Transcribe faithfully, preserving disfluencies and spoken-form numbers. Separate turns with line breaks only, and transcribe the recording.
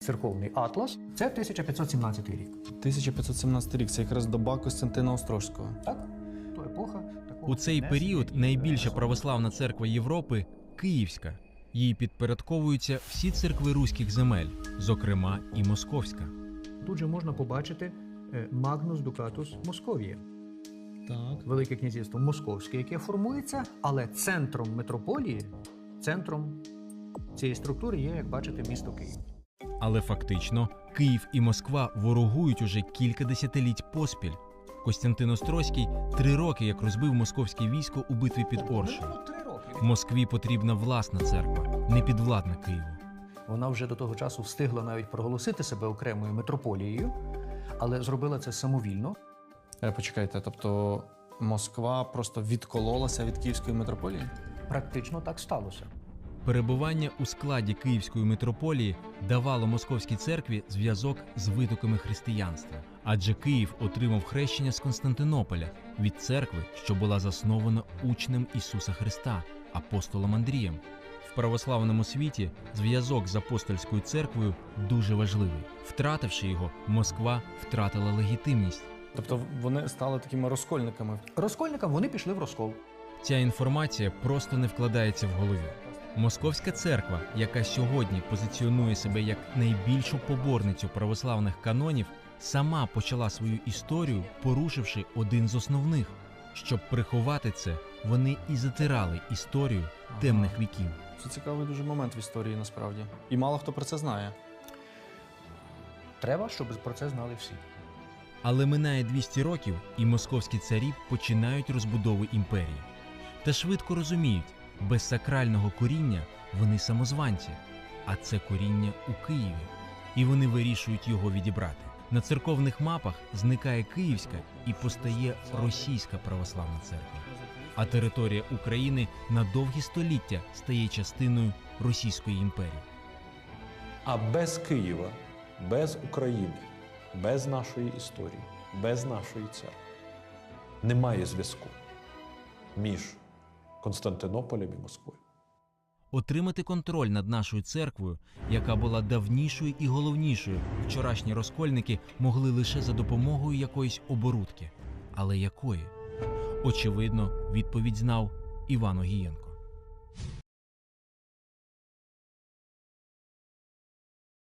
Церковний атлас – це тисяча п'ятсот сімнадцятий рік.
тисяча п'ятсот сімнадцятий рік – це якраз доба Костянтина Острозького.
Так? То епоха такого
У цей період найбільша православна церква Європи – Київська. Їй підпорядковуються всі церкви руських земель, зокрема і Московська.
Тут же можна побачити Магнус Дукатус Московія.
Так.
Велике князівство Московське, яке формується, але центром митрополії, центром цієї структури є, як бачите, місто Київ.
Але фактично Київ і Москва ворогують уже кілька десятиліть поспіль. Костянтин Острозький три роки як розбив московське військо у битві під Оршею. Москві потрібна власна церква, не підвладна Києву.
Вона вже до того часу встигла навіть проголосити себе окремою митрополією, але зробила це самовільно.
Е, почекайте, тобто Москва просто відкололася від Київської митрополії?
Практично так сталося.
Перебування у складі Київської митрополії давало московській церкві зв'язок з витоками християнства. Адже Київ отримав хрещення з Константинополя від церкви, що була заснована учнем Ісуса Христа, апостолом Андрієм. В православному світі зв'язок з апостольською церквою дуже важливий. Втративши його, Москва втратила легітимність.
Тобто вони стали такими розкольниками?
Розкольникам вони пішли в розкол.
Ця інформація просто не вкладається в голові. Московська церква, яка сьогодні позиціонує себе як найбільшу поборницю православних канонів, сама почала свою історію, порушивши один з основних. Щоб приховати це, вони і затирали історію темних віків.
Це цікавий дуже момент в історії, насправді. І мало хто про це знає.
Треба, щоб про це знали всі.
Але минає двісті років, і московські царі починають розбудову імперії. Та швидко розуміють, без сакрального коріння вони самозванці, а це коріння у Києві. І вони вирішують його відібрати. На церковних мапах зникає Київська і постає Російська православна церква. А територія України на довгі століття стає частиною Російської імперії.
А без Києва, без України, без нашої історії, без нашої церкви немає зв'язку між Константинополем і Москвою.
Отримати контроль над нашою церквою, яка була давнішою і головнішою, вчорашні розкольники могли лише за допомогою якоїсь оборудки. Але якої? Очевидно, відповідь знав Іван Огієнко.